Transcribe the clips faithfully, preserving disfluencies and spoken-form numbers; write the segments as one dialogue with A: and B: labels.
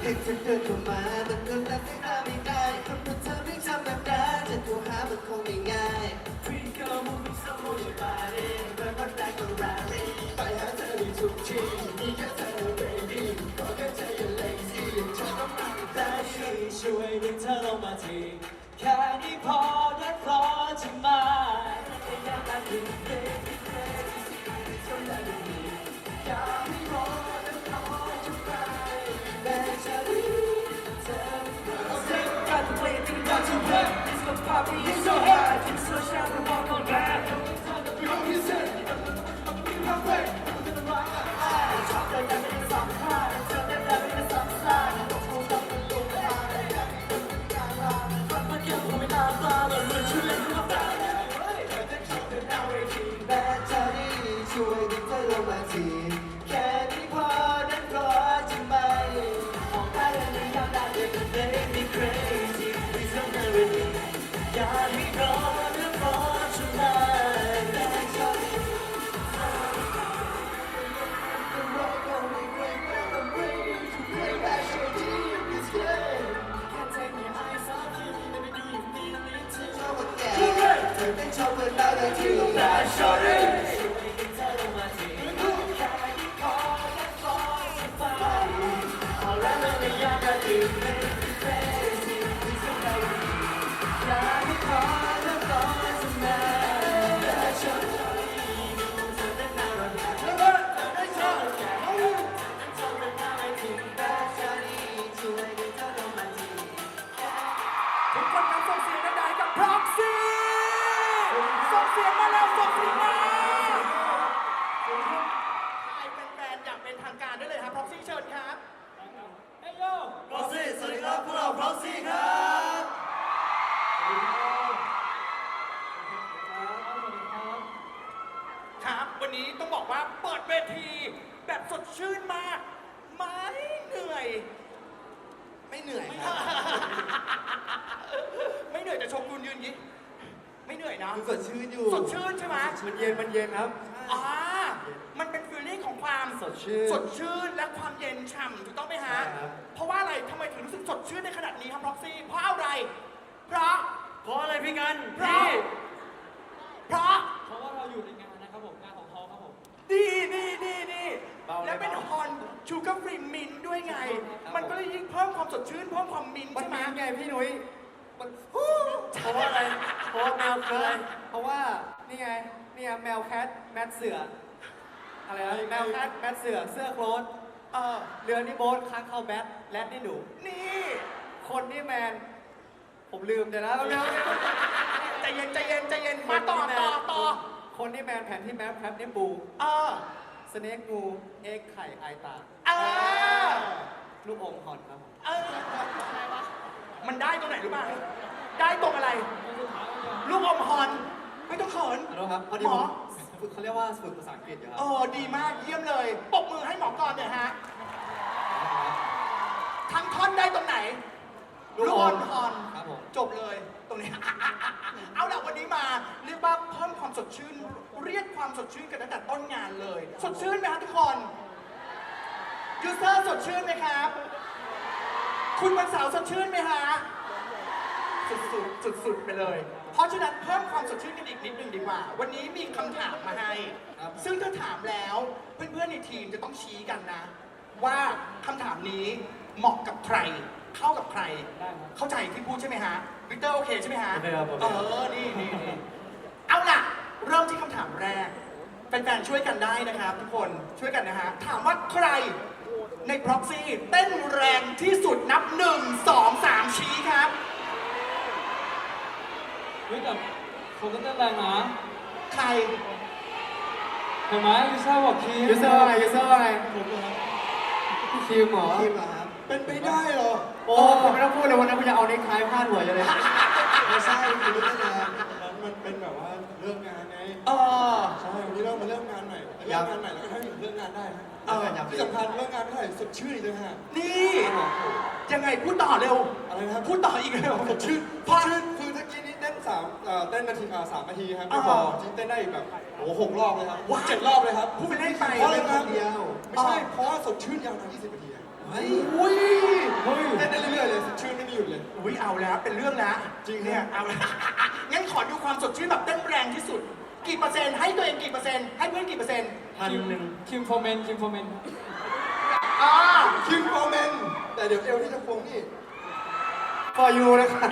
A: ที่เธอเดินเข้ามาแต่เธอแต่ไม่ตาไม่ได้คนเพราะเธอไม่ทำแบบนั้นจะโทรหามันคงไม่ง่ายพี่ก็มุ่งสมุยบารีเมื่อวันแรกก็รารีไปหาเธอในทุกทีมีแค่เธอ baby ขอแค่เธออย่า lazy ยังเธอต้องมาได้ช่วยดึงเธอลงมาทีแค่นี้พอได้พอใช่ไหมอยากได้ถึงเด็กที่เคยที่สุดที่สุดอยากให้รอและรอจนไปแต่จะรู้เธอเอาเด็กกันเพลงที่อยากจะเล่น It's the party is so hot It's so sharp and walk on back You listen You have way You can rock my eyes ชอบเดินกันเป็นสองข้างเธอเดินกันเป็นสองสายต้องพูดต้องเป็นลูกมาได้กันเป็นการรอมันมาเกี่ยวกับเวลาตาเราเลยช่วยเล่นกับตาแต่เธอนี่ช่วยดึงเธอลงมาทีแค่นี้พอนั้นพอใช่ไหมมองตาแล้วยังอยากได้เลยก็ make me crazy please don't marry me อยากให้รอนั้นรอใช่ไหมแต่เธอนี่The rock only break when I'm ready to play back your deep this game Can't take your eyes off you let me do you feel me too ชอบแก่เธอเป็นชอบเปิดตาได้ที่แต่ชอบเลย
B: ทุกคนครับส่งเสียงดังๆให้กับ Proxy ส่งเสียงมาแล้วส่งเสียงมาให้แฟนๆอย่างเป็นทางการได้เลยครับ Proxy เชิญครับเฮ้ยโย
A: Proxy สวัสดีครับพวกเรา Proxy ครับ
B: ครับวันนี้ต้องบอกว่าเปิดเวทีแบบสดชื่นมากไม่เหนื่อย
A: ไม่เหนื่อยครับ
B: ไม่เหนื่อยแต่ชมคุณยืนยิ้มไม่เหนื่อยนะ
A: คือสดชื่นอยู่
B: สดชื่นใช่ไหม
A: มันเย็นมันเย็นครับ
B: อ่ามันเป็นฟีลลิ่งของความ
A: สดชื่น
B: สดชื่นและความเย็นฉ่ำถูกต้องไหมฮะ
A: ใช่ครับ
B: เพราะว่าอะไรทำไมถึงรู้สึกสดชื่นในขนาดนี้ครับ Proxy เพราะอะไร เพราะ
A: เพราะอะไรพี่กัน
B: เพราะ เพราะ
C: เพราะว่าเราอยู่ในงานนะครับผมงานของเขาครับผม
B: ดีดีดีดี
A: เบาเลย
B: และเป็น
A: เบา
B: ฮอนชูการ์ฟรีมินด้วยไง มันก็เลยยิ่งเพิ่มความสดชื่นเพิ่มความมิน
A: มัน
B: ใช่ไหม
A: มีไงพี่นุ้ยมันเพราะว่าอะไร เพราะว่าแมวแคทเพราะว่านี่ไง นี่ไงแมวแคทแมทเสือ อะไรนะแมวแคทแมทเสือ เสื้อโคลน
B: เออ
A: เรือนี่โบ๊ทค้างเข้าแบทแรดนี่หนู
B: นี่
A: คนนี่แมน ผมลืมเดี๋ยวนะเร็ว
B: ใจเย็นใจเย็นใจเย็นมาต่อต่อต่อ
A: คนนี่แมนแผนที่แมปแคทนี่ปู
B: เออ
A: สเน็กงูเอ็กไข่ไอตา
B: เออ
A: ลูกอมฮอนครับผม
B: เออมันได้ตรงไหนรู้ป่ะได้ตรงอะไร ลูกอมฮอน ไม่ต้องเขิน
A: ขอโทษครับพอดี
B: หม
A: ผ
B: อ
A: มฝึกเขาเรียกว่าฝึกภาษาอังกฤษอยู่ครั
B: เออดีมากเยี่ยมเลยปรบมือให้หมอกรเนี่อยฮะ ทั้งท่อนได้ตรงไหน ลูกอมฮอน
A: ครับผม
B: จบเลยตรงนี้ เอาล่ะวันนี้มาเรียกว่าเพิ่มความสดชื่น เรียกความสดชื่นกันตั้งแต่ต้นงานเลย สดชื่นไหมครับทุกคนยูเซอร์สดชื่นไหมครับ คุณวันเสาร์สดชื่นไหมฮะสุดๆสุดๆไปเลย เพราะฉะนั้นเพิ่มความสดชื่นกันอีกนิดนึงดีกว่า วันนี้มีคำถามมาให้ ซึ่งถ้าถามแล้วเพื่อนๆในทีมจะต้องชี้กันนะ ว่าคำถามนี้เหมาะกับใคร เข้ากับใคร เข้าใจที่พูดใช่ไหมฮะวิกเตอร์โอเคใช่ไหมฮะ
A: โอเคครับโอเค
B: เออ นี่นี่นี่เอาล่ะ เริ่มที่คำถามแรกแฟนๆช่วยกันได้นะครับทุกคนช่วยกันนะฮะ ถามว่าใครใน Proxy เต้นแรงที่สุดนับหนึ่งสองสามชี้ครับ
C: เฮ้ยแต่ผมก็เต้นแรงนะ
B: ใคร
C: เห็นไหมยูซ่าบอกคี
A: ยูเซอร์อะไรยูเซอร์อะไร
C: ผมเหรอ
A: คิวหมอ
D: ทีมเหรอครับ เป็นไปได้เหรอ
A: โอ้คุณไม่ต้องพูดเลยวันนั้นคุณจะเอาเน็กไทพาดหัวอยู่เลย
D: ไม่ใช่คือไม่ได้งานนั้นมันเป็นแบบว่าเริ่มงานไง
B: เออ
D: ใช่ วันนี้เรามาเริ่มงานใหม่เริ่มงานใหม่แล้วก็ทำถึงเริ่มงานได้ฮะ
B: เออ
D: ที่สำคัญเริ่มงานไม่เท่าไหร่สดชื่นอีกเลยฮะ
B: นี่ยังไงพูดต่อเร็ว
D: อะไรนะครับ
B: พูดต่ออีกเร็ว
D: สดชื่น
B: พ
D: ส
B: อ
D: ดชื่นคือถ้ากี้นี้เต้นสามเอ่อเต้นนาทีอ่าสามนาทีครับไม่
B: อ่า
D: พอจริงเต้นได้อีกแบบโอ้โหหกรอบเลยครับ
B: ว้าว
D: เจ็ดรอบเลยครับ
B: พูดไปเล่นไป
D: เพราะอะไรครับ
A: เดียว
D: ไม่ใช่เพราะว่าสดชื่นยาวนานยี่สิบนาทีอะ
A: เฮ้ย
B: อุ้ย
C: โห
D: ยุดเลย
B: อุ้ยเอาแล้วเป็นเรื่องแล้ว
D: จริง
B: เนี่ยเอาแล้ว งั้นขอดูความสดชื่นแบบเต้นแรงที่สุด กี่เปอร์เซ็นต์ให้ตัวเองกี่เปอร์เซ็นต์ให้เพื่อนกี่เปอร์เซ็นต์
C: พันหนึ่งคิมโฟเมนคิมโฟเมน
B: อ่า
D: คิมโฟเมนแต่เดี๋ยวเอวที่จะควงนี่ for you นะครับ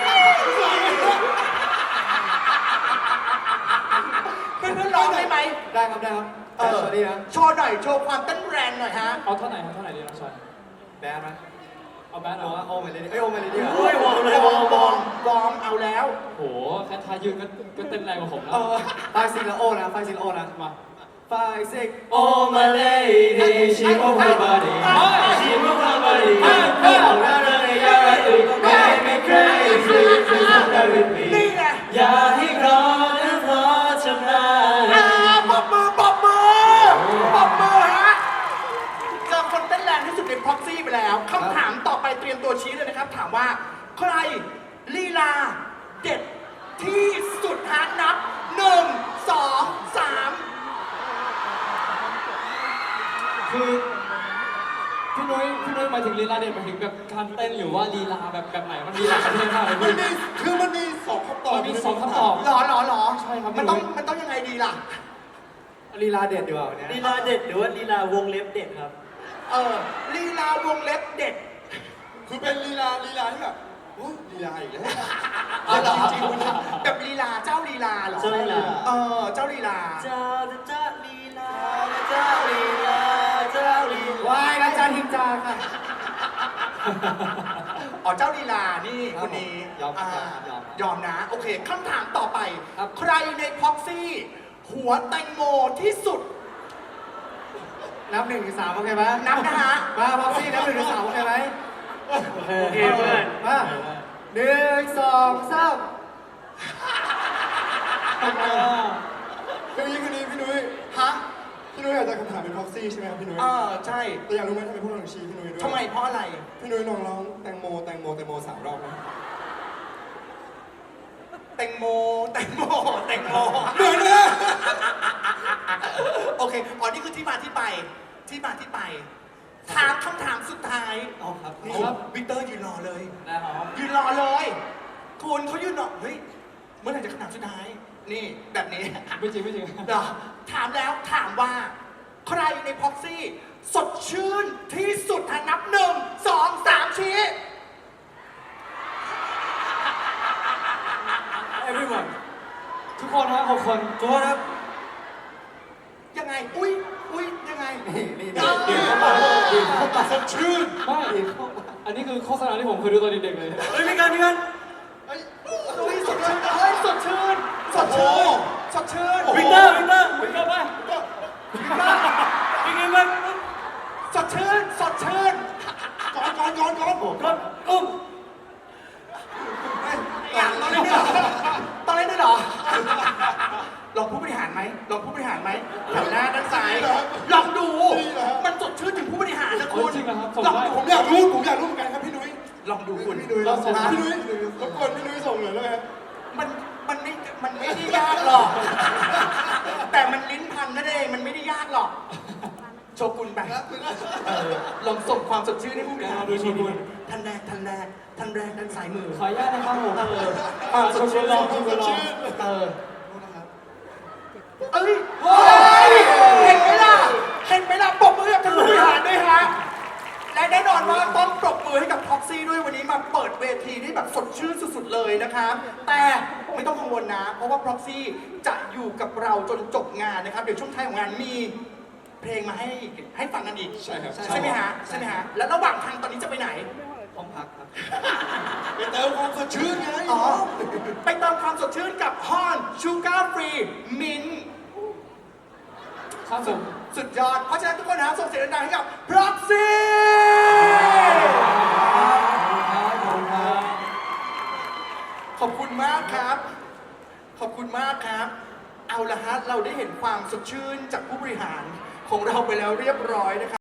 B: เพื่อนเพื่อนๆร้องได้ไหม
D: ได้ครับได้ครับ
B: เออ
D: สวัสดีนะ
B: โชว์หน่อยโชว์ความเต้นแรงหน่อยฮะ
C: เอาเท่าไหร่เอาเท่าไหร่ดีน้องชาย
D: แบดไหม
C: เอาแบท
D: ห
C: เอา
D: รือว่า
C: ว่า
D: โอมาเลยดิเอ้ยโอมาเลยดิ
B: โอ้ยวอร์มเลยวอร์มวอร์มวอร์มเอาแล้ว
C: โหแค่ทายืนก็ก็เต้นแรงกว่าผมแล้
B: เอ
C: ว
B: อ
D: ไฟซิงและโอนะไฟซิงและโอนะ
C: มา
D: ไฟซิง
C: Oh my lady she move her body she move her body oh na na na you're right make me crazy just stay with me
B: นี่ไง
C: อย่าให้รอนะเพราะฉันนาน
B: อ่าปรบมือปรบมือปรบมือฮะเจอคนเต้นแรงที่สุดในพ็อกซี่ไปแล้วคำถามต่อไปเตรียมตัวชี้เลยนะครับ ถามว่าใครลีลาเด็ดที่สุดฮะนับหนึ่งสองสาม
C: คือพี่นุ้ยพี่นุ้ยหมายถึงลีลาเด็ดหมายถึงแบบการเต้นหรือว่าลีลาแบบแบบไหนมันลีลาประเทศมากเลย
D: มัน
C: พี่
D: มีคือมันมีสองคำตอบ
C: มันมีสองคำตอบ
B: หรอหรอหรอ
C: ใช่ครับ
B: มันต้องมันต้องยังไงดีล่ะ
D: ลีลาเด็ดดีกว่าวันเนี้ย
E: ลีลาเด็ดหรือว่าลีลาวงเล็บเด็ดครับ
B: เออลีลาวงเล็บเด็ด
D: คือเป็นลีลาลีลาที่แบบโอ้ลีลาอีกแล้ว
B: อ๋อเหรอจริงๆแบบลีลาเจ้าลีลาเหรอ
E: เจ้าลีลา
B: เออเจ้าลีลา
E: เจ้าเจ้าลีลาเจ้าลีลาเจ้าลีลาว
D: ายอาจารย์ทิมจาค่ะ
B: อ๋อเจ้าลีลานี่
D: ค
B: ครับ นนี้
D: ยอมครับ
B: าย
D: อม
B: ยอมนะ โอเคคำถามต่อไป
D: ครับ
B: ใครในพ็อกซี่ หัวแตงโมที่สุด
D: นับหนึ่งถึงสามโอเคไหม
B: นับนะฮะ
D: มาพ็อกซี่นับหนึ่งถึงสามโอเคไหม
E: โอเคเพื่อน
D: มาหนึ่งสองสามคืออย่างนี้คือนี้พี่นุ้ย
B: ฮะ
D: พี่นุ้ยอาจจะคำถามเป็นพ็อกซี่ใช่ไหมครับพี่นุ้ย
B: เออใช่
D: แต่อยากรู้ไหมทำไมพวกเราถึงชี้พี่นุ้ยด้วย
B: ทำไมเพราะอะไร
D: พี่นุ้ยลองร้องแตงโมแตงโมแตงโมสามรอบนะ
B: แตงโมแตงโมแตงโม
D: เหมือนนะ
B: โอเคอ๋อนี่คือที่มาที่ไป ที่มาที่ไป ถามคำถามสุดท้าย
D: เอาครับ
B: นี่วิกเตอร์ยืนรอเลย
C: นะครับ
B: ยืนรอเลย คุณเขายืนรอ เฮ้ย เมื่อไหร่จะคำถามสุดท้าย นี่แบบนี้
C: ไม่จริงไม่จริง
B: เหรอถามแล้วถามว่า ใครในพ็อกซี่ สดชื่นที่สุดถ้านับหนึ่งสองสามชี้
C: everyone ทุกคนนะหกคน
E: ทุกคนครับ
B: ยังไง อุ้ยอุ้ยยังไง
D: นี่นี่
B: เออ
D: นี่เข้ามาดีเข้ามาสดชื่น
C: ไม่อันนี้คือโฆษณาที่ผมเคยดูตอนเด็กๆเลย
E: เฮ้ยมีกันมีกัน
B: เฮ้ยอุ้ยสดชื่นเฮ้ยสดชื่น สดชื่น สดชื่น
E: วิกเตอร์วิกเตอร์
C: วิ่งเข้าไป
E: วิกเตอร์มัน
B: สดชื่น สดชื่น
D: ก่อนก่อนก่อนก่อนผม
E: กดอุ้ม
B: อยากตอนเล่นด้วยเหรอตอนเล่นด้วยเหรอ ลองผู้บริหารไหมลองผู้บริหารไหมหันหน้าด้านซ้าย ลองดู มันสดชื่นถึงผู้บริหารนะคุณ
C: จริงนะครับส่ง
B: ลอง
C: ได้
B: ดู
D: ผมอยากรู้ผมอยากรู้เหมือนกันครับพี่นุ้ย
B: ลองดูคุณ
D: พี่นุ้ย
C: เราส่ง
D: พี่นุ้ยรบกวนพี่นุ้ยส่งหน่อยได้ไหมครับ
B: มัน มันไม่ มันไม่ได้ยากหรอก แต่มันลิ้นพันนั่นเอง มันไม่ได้ยากหรอก โชกุนไปเออลองส่งความสดชื่นให้ผู้บริหารดูโชกุนท่านแรก ท่านแรก ท่านแรกด้านซ้ายมือ
C: ขออนุญาตนะครับผม
B: เออ
C: อ่าชมรมลองชมรมลอง
B: เออ เอ้ยเฮ้ยเห็นไหมล่ะ เห็นไหมล่ะปรบมือให้กับท่านผู้บริหารด้วยฮะ และแน่นอนว่าต้องปรบมือให้กับท็อกซี่ด้วยวันนี้มาเปิดเวทีที่แบบสดชื่นสุดๆเลยนะครับ แต่ไม่ต้องกังวลนะ เพราะว่าพ็อกซี่จะอยู่กับเราจนจบงานนะครับ เดี๋ยวช่วงท้ายของงานมีเพลงมาให้ให้ฟังกันอีก
D: ใช่ครับ
B: ใช่ไหมฮะ ใช่ไหมฮะ แล้วระหว่างทางตอนนี้จะไปไหน
D: ห้องพักครับไปเติมความสดชื่นไง
B: อ๋อ ไปเติมความสดชื่นกับฮอนชูการ์ฟรีมิน
C: ครับผม
B: สุดยอด เพราะฉะนั้นทุกคนนะส่งเสียงดังๆให้กับ Proxy ขอบคุณมากครับ ขอบคุณมากครับ เอาละฮะ เราได้เห็นความสดชื่นจากผู้บริหารของเราไปแล้วเรียบร้อยนะครับ